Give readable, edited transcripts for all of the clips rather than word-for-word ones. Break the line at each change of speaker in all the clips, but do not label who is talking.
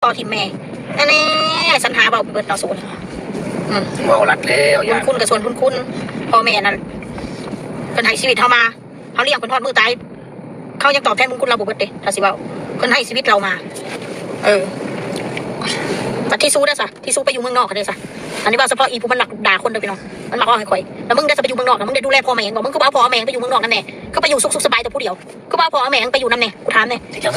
ต่อทีมแม่นั่นแน่สัญหาเบาเบิดต่อศูนย์
เบาหลัดแล้ว
คุณกับส่วนคุณพ่อแม่นั่นคนให้ชีวิตเขามาเขาเลี้ยงคนทอดมือตายเขายังตอบแทนบุญคุณเราบุกเบิดเด้ถ้าสิเบาคนให้ชีวิตเรามาแต่ที่สู้ได้ซะที่สู้ไปอยู่เมืองนอกกันได้ซะอันนี้ว่าเฉพาะอีผู้มันหลักด่าคนเดียวพี่น้องมันหลักอ้อให้ข่อยแล้วมึงได้จะไปอยู่เมืองนอกนะมึงได้ดูแลพ่อแม่บอกมึงก็เอาพ่อแม่ไปอยู่เมืองนอกนั่นแน่ก็ไปอยู่สุขสบายแต่ผู้เดียวก็เอาพ่อแม่ไปอยู่นั่นแน่กูถามแน่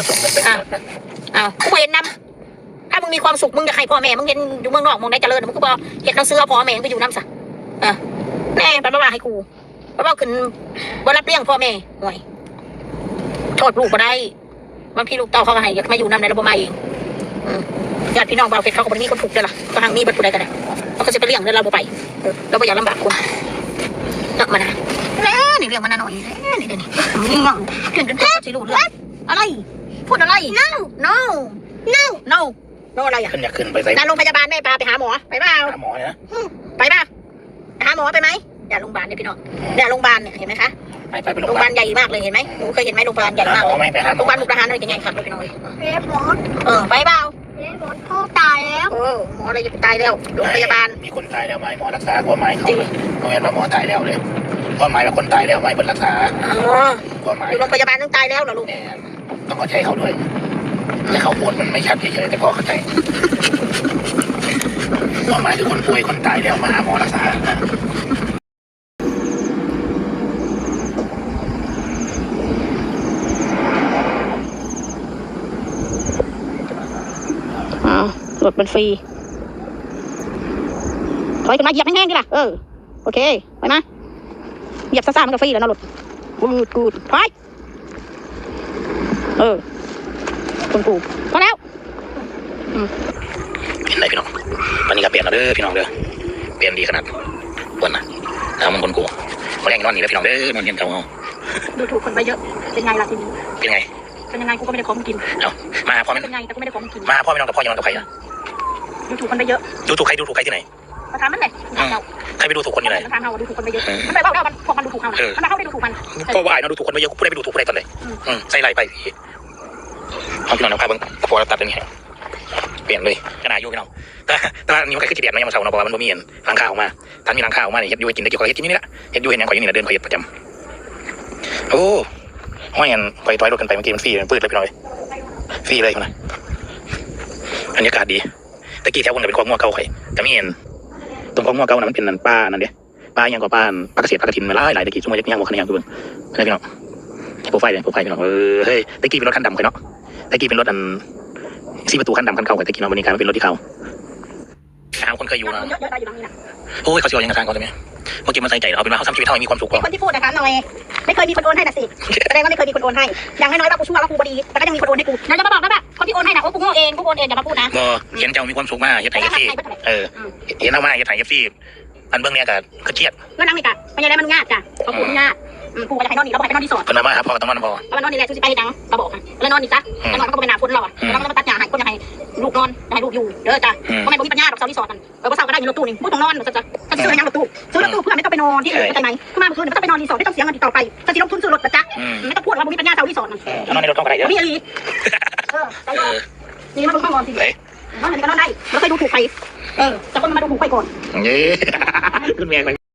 กูเห็นนำถ้ามึงมีความสุขมึงจะให้พ่อแม่มึงเห็นอยู่เมืองนอกมึงได้เจริญมึงก็บอกเห็นเราซื้อพ่อแม่ไปอยู่น้ำซะแน่เป็นบ้าให้กูบ้าขึ้นบ้ารับเลี้ยงพ่อแม่ห่วยโทษลูกก็ได้บางทีลูกเต่าเขาให้มาอยู่น้ำในระบบมาเองญาติพี่น้องเราเพชรเขาก็ไม่มีคนถูกเลยล่ะก็ทางมีบัตรผู้ใดกันได้เราก็จะไปเลี้ยงเดินเราไปเราไม่อยากลำบากคนเลิกมานะนี่เรื่องมันน่าหน่อยนี่เดี๋ยวนี้งงเพื่อนกันตัวสิรู้เรื่องอะไรพูดอะไร no อะไรอ่ะ
ขึ้นอยากขึ้นไปใส่
โรงพยาบาลแม่พาไปหาหมอไปเปล่า
หาหมอเนี่ย
ไปป่ะหาหมอไปไหมอย่าโรงพยาบาลเนี่ยพี่น้องเนี่ยโรงพยาบาลเนี่ยเห็นไหมคะ
ไปโร
โรงพยาบาลใหญ่มากเลยเห็นไหมหนูเคยเห็นไหมโรงพยาบาลใหญ่มากโรงพยาบาลมุกดาหารอะไรใหญ่ๆครับพี่น้องไปเปล่า
พ่อตายแล้ว
หมออะไรจะตายแล้วโรงพยาบาล
มีคนตายแล้วไหมหมอรักษาความหมายเขาเขาเห็นว่าหมอตายแล้วเลยความหมายว่าคนตายแล้วไม่เป็นรักษาความหมาย
อยู่โรงพยาบาลต้องตายแล้วเหรอลูก
ต้องเข้าใจเขาด้วยแต่เขาพูดมันไม่ชัดเฉยๆแต่พอเข้าใจความหมายคือคนป่วยคนตายแล้วมาหาหมอรักษา
รถมันฟรีถอยขึ้นมาเหยียบแห้งๆดิล่ะโอเคไปมาเหยียบซ่าๆมันก็ฟรีแล้วนะรถกูดถอยคุณกูพอแล้ว
เห็นไหมพี่น้องวันนี้ก็เปลี่ยนแล้วเด้อพี่น้องเด้อเปลี่ยนดีขนาดวันน่ะเอามันคนกูมาแรงนอนนี่แล้วพี่น้องเด้อนอนเย็นเก่า
ดูถูกคนไปเยอะเป็นไงล่ะทีนี้
เป็นไง
เป็นยังไงกูก็ไม่ได้ของกิน
เอามาพ่อไม่
เป็นไงแต่กูไม่ได้ของกิน
มาพ่อไม่นอนกับพ่อยังนอนกับใครอ่ะ
ดูถูกคนไปเยอะ
ดูถูกใครที่ไหน
มาถามมันเลย
ใครไปดูถูกคนที่ไหน
มาถามเราดูถูกคนไปเยอะมันไปบอกเราพวกมันดูถูกเขามันมาเข้าได้ดูถูกมัน
ก็ว่าไอ้นอนดูถูกคนไปเยอะกูได้ไปดูถูกคนไหนตอนไหนใส่ไหลไปพี่เอาพี่น้องเอาใครบ้างพอเราตัดเป็นไงเปลี่ยนเลยขนาดยูพี่น้องแต่ว่านี่มันคือจีเดียดนะยังมาเช่าเนาะเพราะว่ามันบ่มีเห็นหลังคาออกมาท่านมีหลังคาออกมาเนี่ยเฮ็ดยูกินได้เกี่ยวกับเฮ็ดกินนี่แหละเฮ็ดยูเห็นอย่างข่อยนี่แหละเดินข่อยเฮ็ดประจำโอ้ห้อยเงินข่อยถอยรถกันไปเมื่อกี้มันฟรีมันปืดเลยพี่น้องฟรีเลยนะบรรยากาศดีตะกี้แถวบนเป็นคลองงัวเก่าข่อยแต่ไม่เห็นตรงคลองงัวเก่านั้นมันเป็นนั่นป้านั่นเด้ป้ายังกับป้าปลาเกษตรปลากระถินมาหลายตะกี้ช่วงยังบอกขนาดยังคืออะไรพี่น้องโปรไฟล์พี่น้องเฮ้ยตะกี้เป็นรถคันดำข่อยเนาะตะกี้เป็นรถอัน4 ประตูคันดำคันเก่าแต่ตะกี้มาวันนี้กลายเป็นรถที่เขาคนเคยอยู่นะโอ้ยเขาเสียยังกระทางเขาใช่ไหมเมื่อกี้มันใส่ใจเราเป็นว่าเขาทำชีวิตเขามีความสุขกว่า
คนที่พูดนะคะหน่อยไม่เคยมีคนโอนให้น่ะสิแสดงว่าไม่เคยมีคนโอนให้อย่างน้อยๆว่ากูชั่วว่ากูบดีแต่ก็ยังมีคนโอนให้กูแล้วจะมาบอกนะว่าคนที่โอนให้น่ะกูโง่เองกูโอนเองอย่ามาพูดนะ
เห็นเจ้ามีความสุขมากเฮ็ดไทยเอฟซีเห็นเอามาเฮ็ดไทยเอฟซีอันเบื้องเนี้ยก็เครียด
เรื่องนั้นนี่กะมันยังไงมันง่ายจ้ะเขาพูดง่ายกูจะให้นอนนี่เราบอกให้นอนที่สอด
คนมาครับพอต้องนอนพอ
เอานอนนี่แหละชูสิไปดังกระบอกแล้วนอนนี่จ้ะแล้วนอนมันก็เป็นหนาฝนเราอ่ะแล้วมันก็ตัดหญ้าให้คนยังให้ลูกนอนให้ลูกอยู่เด้อจ้ะเพราะไม่มีปัญญาดอกเสาที่สอดมันเสาก็ได้อยู่รถตู้นี่พูดตรงนอนจะซื้อยังรถตู้เพื่อไม่ต้องไปนอนที่อื่นเข้าใจไหมขึ้นมาเมื่อคืนไม่ต้องไปนอนรีสอร์ทไม่ต้องเสียเงินติดต่อไปจะสิลงทุนซื้อรถจ้ะไม่ต้องพูดว่ามีปัญญาเสาที่สอดมัน
นอนในรถต้องอะไรเยอะ
มีอะไรนี่มันต้องนอนสินอนไหนก็นอนได้เราเคยดูถูกใครแต่คนมันมาดูถูกใครก่อน
เย้ขึ้นเมีย